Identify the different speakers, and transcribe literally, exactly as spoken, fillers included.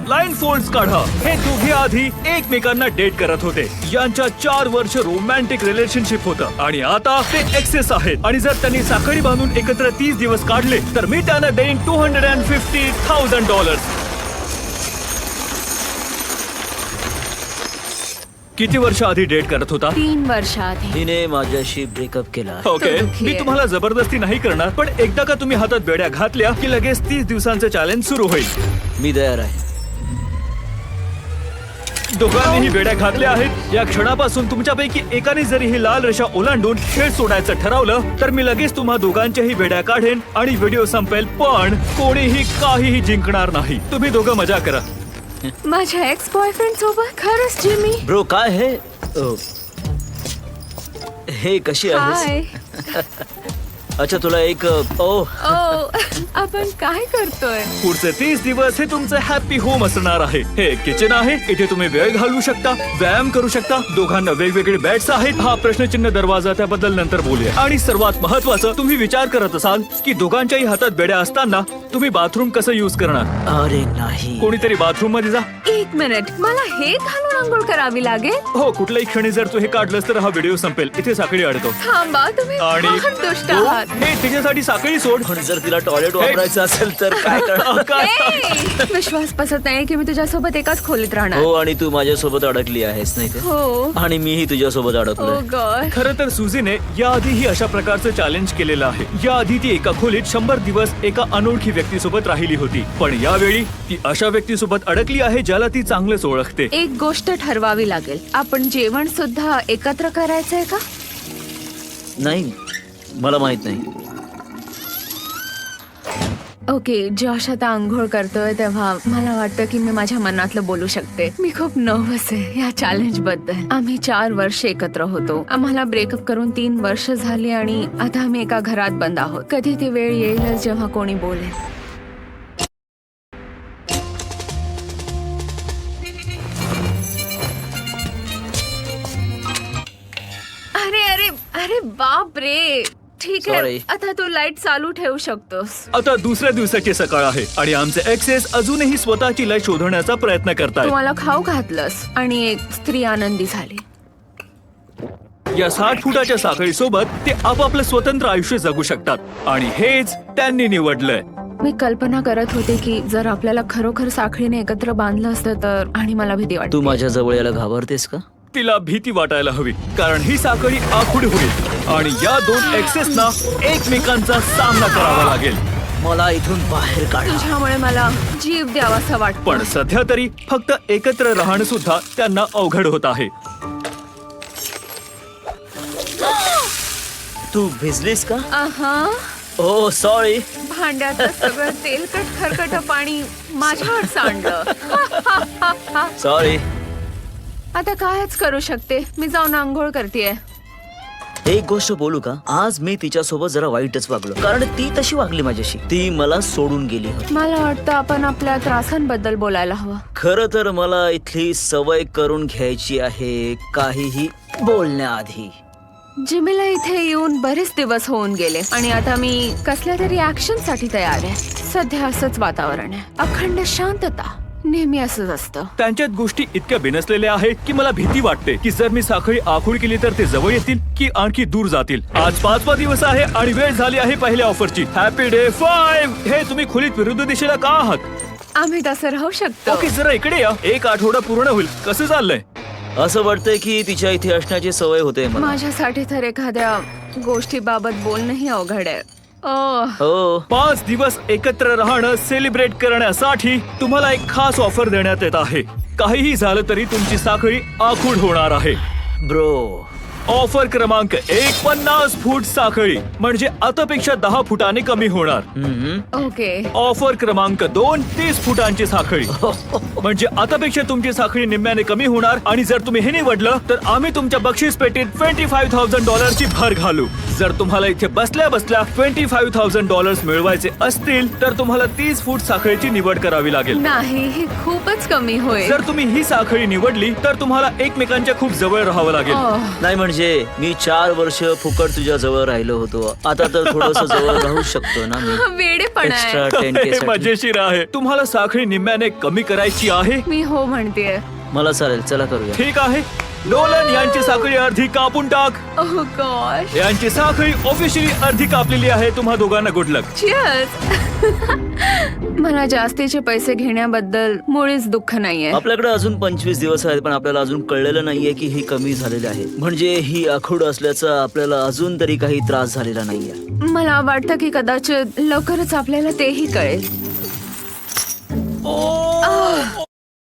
Speaker 1: Line folds काढा. हे दोघे आधी एकमेकांना डेट करत होते. यांच्या चार वर्ष रोमॅन्टिक रिलेशनशिप होतं आणि आता ते एक्सेस आहेत. आणि जर त्यांनी साखळी बांधून एकत्र तीस दिवस काढले तर मी त्यांना देईन two hundred and fifty thousand dollars. किती वर्ष आधी डेट करत होता?
Speaker 2: तीन वर्ष आधी.
Speaker 3: तिने माझ्याशी ब्रेकअप केला.
Speaker 1: ओके,
Speaker 2: तो दुःखी
Speaker 1: मी
Speaker 2: आहे.
Speaker 1: तुम्हाला जबरदस्ती नाही करणार, पण एकदा का तुम्ही हातात बेड्या घातल्या की लगेच तीस दिवसांचं चॅलेंज सुरू होईल.
Speaker 3: मी तयार आहे.
Speaker 1: दोघांनीही बेड्या घातल्या आहेत. या क्षणापासून तुमच्यापैकी एकाने जरी ही लाल रेषा ओलांडून खेळ सोडायचं ठरवलं तर मी लगेच तुम्हा दोघांच्याही बेड्या काढेन आणि व्हिडिओ संपेल. पण कोणीही काहीही जिंकणार नाही. तुम्ही दोघं मजा करा.
Speaker 2: माझ्या एक्स बॉयफ्रेंड सोबत. खरंच जिमी.
Speaker 3: ब्रो काय हे अ, हे कशी आहेस?
Speaker 2: हाय.
Speaker 3: अच्छा तुला एक अ, ओ
Speaker 2: ओ आपण काय करतोय?
Speaker 1: पुढचे तीस दिवस हे तुमचं हॅपी होम असणार आहे. हे किचन आहे. इथे तुम्ही वेळ घालवू शकता, व्यायाम करू शकता. दोघांना वेगवेगळे बेड्स आहेत. हा प्रश्नचिन्ह दरवाजा, त्याबद्दल नंतर बोलूया. आणि सर्वात महत्वाचं, तुम्ही विचार करत असाल की दोघांच्याही हातात बेड्या असताना तुम्ही बाथरूम कसं युज करणार.
Speaker 3: अरे नाही.
Speaker 1: कोणीतरी बाथरूम मध्ये जा.
Speaker 2: एक मिनिट, मला हे घालून आंघोळ करावी लागेल?
Speaker 1: हो, कुठल्याही क्षणी जर तू हे काढलंस तर हा व्हिडिओ संपेल. इथे साखळी अडतो.
Speaker 2: थांबा, तुम्ही
Speaker 1: आणि
Speaker 2: फार दुष्ट
Speaker 1: तो-
Speaker 2: आहात.
Speaker 1: हे तिच्यासाठी साखळी सोड.
Speaker 3: पण जर तिला टॉयलेट वापरायचं असेल तर काय करणार?
Speaker 1: काय?
Speaker 2: ए, विश्वास बसत नाही की मी तुझ्यासोबत एकाच खोलीत राहणार.
Speaker 3: हो आणि तू माझ्यासोबत अडकली आहेस नाही ते.
Speaker 2: हो.
Speaker 3: आणि मीही तुझ्यासोबत
Speaker 2: ओ
Speaker 3: अडकलोय.
Speaker 2: गॉड.
Speaker 1: खरं तर सुझीने याआधीही अशा प्रकारचं चॅलेंज केलेलं आहे. याआधी ती एका खोलीत शंभर दिवस एका अनोळखी व्यक्तीसोबत राहिली होती. पण यावेळी ती अशा व्यक्तीसोबत अडकली आहे ज्याला ती चांगलंच ओळखते.
Speaker 2: एक गोष्ट ठरवावी लागेल. आपण जेवण सुद्धा एकत्र करायचंय का?
Speaker 3: नाही मला माहित नाही.
Speaker 2: ओके, जॉश आता आंघोळ करतोय तेव्हा मला वाटतं की मी माझ्या मनातलं बोलू शकते. मी खूप नर्वस आहे या चॅलेंज बद्दल. आम्ही चार वर्ष एकत्र होतो. आम्हाला ब्रेकअप करून तीन वर्ष झाली आणि आता आम्ही एका घरात बंद आहोत. कधी ती वेळ येईलच जेव्हा कोणी बोलेल. अरे अरे अरे बाप रे. ठीक आहे,
Speaker 3: Sorry.
Speaker 2: आता तू लाईट चालू ठेवू शकतोस.
Speaker 1: आता दुसऱ्या दिवसाची सकाळ आहे आणि आमचे एक्सेस अजूनही स्वतःची लय शोधण्याचा प्रयत्न करतायत.
Speaker 2: तुम्हाला खाऊ घातलंस आणि एक स्त्री आनंदी झाली.
Speaker 1: या साठ फुटाच्या साखळी सोबत ते आपापलं स्वतंत्र आयुष्य जगू शकतात आणि हेच त्यांनी निवडलंय.
Speaker 2: मी कल्पना करत होते की जर आपल्याला खरोखर साखळीने एकत्र बांधलं असतं तर, आणि मला भीती
Speaker 3: तू
Speaker 2: वाटते.
Speaker 3: माझ्या जवळ यायला घाबरतेस का?
Speaker 1: तिला भीती वाटायला हवी कारण ही साखळी आखूड होईल आणि या दोन एक्सेसना एकमेकांचा सामना करावा लागेल.
Speaker 3: मला इथून बाहेर काढा.
Speaker 2: तुझ्यामुळे मला जीव द्यावासा वाटतो.
Speaker 1: पण सध्या तरी फक्त एकत्र राहणं सुद्धा त्यांना अवघड होत आहे.
Speaker 3: तू भिजलीस का?
Speaker 2: आहा,
Speaker 3: ओ सॉरी.
Speaker 2: भांड्याचं सगळं तेलकट खरकट पाणी माझ्यावर सांडलं.
Speaker 3: सॉरी.
Speaker 2: आता कायच करू शकते. मी जाऊन आंघोळ करतेय.
Speaker 3: एक गोष्ट बोलू का? आज मी तिच्यासोबत जरा वाईटच वागलो कारण ती तशी वागली माझ्याशी. ती मला सोडून गेली होती.
Speaker 2: मला वाटतं आपण आपल्या त्रासांबद्दल बोलायला हवं.
Speaker 3: खरं तर मला इथली सवय करून घ्यायची आहे काहीही बोलण्याआधी.
Speaker 2: जिमीला इथे येऊन बरेच दिवस होऊन गेले आणि आता मी कसल्या तरी ऍक्शन साठी तयार आहे. सध्या असंच वातावरण आहे, अखंड शांतता. नेहमी असंच असतं.
Speaker 1: त्यांच्यात गोष्टी इतक्या बिनसलेल्या आहेत की मला भीती वाटते की जर मी साखळी आखूड केली तर ते जवळ येतील की आणखी दूर जातील. आज पाचवा दिवस आहे आणि वेळ झाली आहे पहिल्या ऑफरची. Happy day five. हे तुम्ही खोलीत विरुद्ध दिशेला का आहात?
Speaker 2: आम्ही तसं राहू शकतो.
Speaker 1: ओके, जरा इकडे या. एक आठवडा पूर्ण होईल. कसं चाललंय?
Speaker 3: असं वाटतंय की तिच्या इथे असण्याची सवय होते मला.
Speaker 2: माझ्यासाठी तर एखाद्या गोष्टीबाबत बोलणंही अवघड आहे. ओह,
Speaker 3: हो.
Speaker 1: पाच दिवस एकत्र राहणं सेलिब्रेट करण्यासाठी तुम्हाला एक खास ऑफर देण्यात येत आहे. काहीही झालं तरी तुमची साखळी आखूड होणार आहे.
Speaker 3: ब्रो
Speaker 1: ऑफर क्रमांक एक, पन्नास फूट साखळी म्हणजे आतापेक्षा दहा फुटाने कमी होणार.
Speaker 2: ओके.
Speaker 1: ऑफर क्रमांक दोन, तीस फुटांची साखळी म्हणजे आतापेक्षा तुमची साखळी निम्म्याने कमी होणार. आणि जर तुम्ही हे निवडलं तर आम्ही तुमच्या बक्षीस पेटीत ट्वेंटी फाईव्ह थाउजंड डॉलरची भर घालू. जर तुम्हाला इथे बसल्या बसल्या ट्वेंटी फाईव्ह थाउजंड डॉलर्स मिळवायचे असतील तर तुम्हाला तीस फूट साखळीची निवड करावी लागेल.
Speaker 2: नाही, हे खूपच कमी होईल.
Speaker 1: जर तुम्ही ही साखळी निवडली तर तुम्हाला एकमेकांच्या खूप जवळ राहावं लागेल.
Speaker 2: ओह,
Speaker 3: नाही म्हणजे म्हणजे मी चार वर्ष फुकट तुझ्या जवळ राहिलो होतो, आता तर थोडस जवळ राहू शकतो ना मी.
Speaker 2: वेडेपणा आहे.
Speaker 3: एक्स्ट्रा टेन
Speaker 1: हे
Speaker 3: के
Speaker 1: मजेशीर आहे. तुम्हाला साखळी निम्म्याने कमी करायची आहे?
Speaker 2: मी हो म्हणतेय.
Speaker 3: मला चालेल, चला करूया.
Speaker 1: ठीक आहे, नोलन यांची साखळी अर्धी कापून टाक.
Speaker 2: Oh gosh.
Speaker 1: यांची साखळी ऑफिशियली अर्धी कापलेली आहे. तुम्हा दोघांना गुड लक.
Speaker 2: Cheers. मला जास्तीचे पैसे घेण्याबद्दल मुळीच दुःख नाहीये.
Speaker 3: आपल्याकडे अजून पंचवीस दिवस आहेत, पण आपल्याला अजून कळलेलं नाहीये की ही कमी झालेली आहे. म्हणजे ही आखूड असल्याचा आपल्याला अजून तरी काही त्रास झालेला नाहीये.
Speaker 2: मला वाटतं की कदाचित लवकरच आपल्याला तेही कळेल.
Speaker 1: ओ,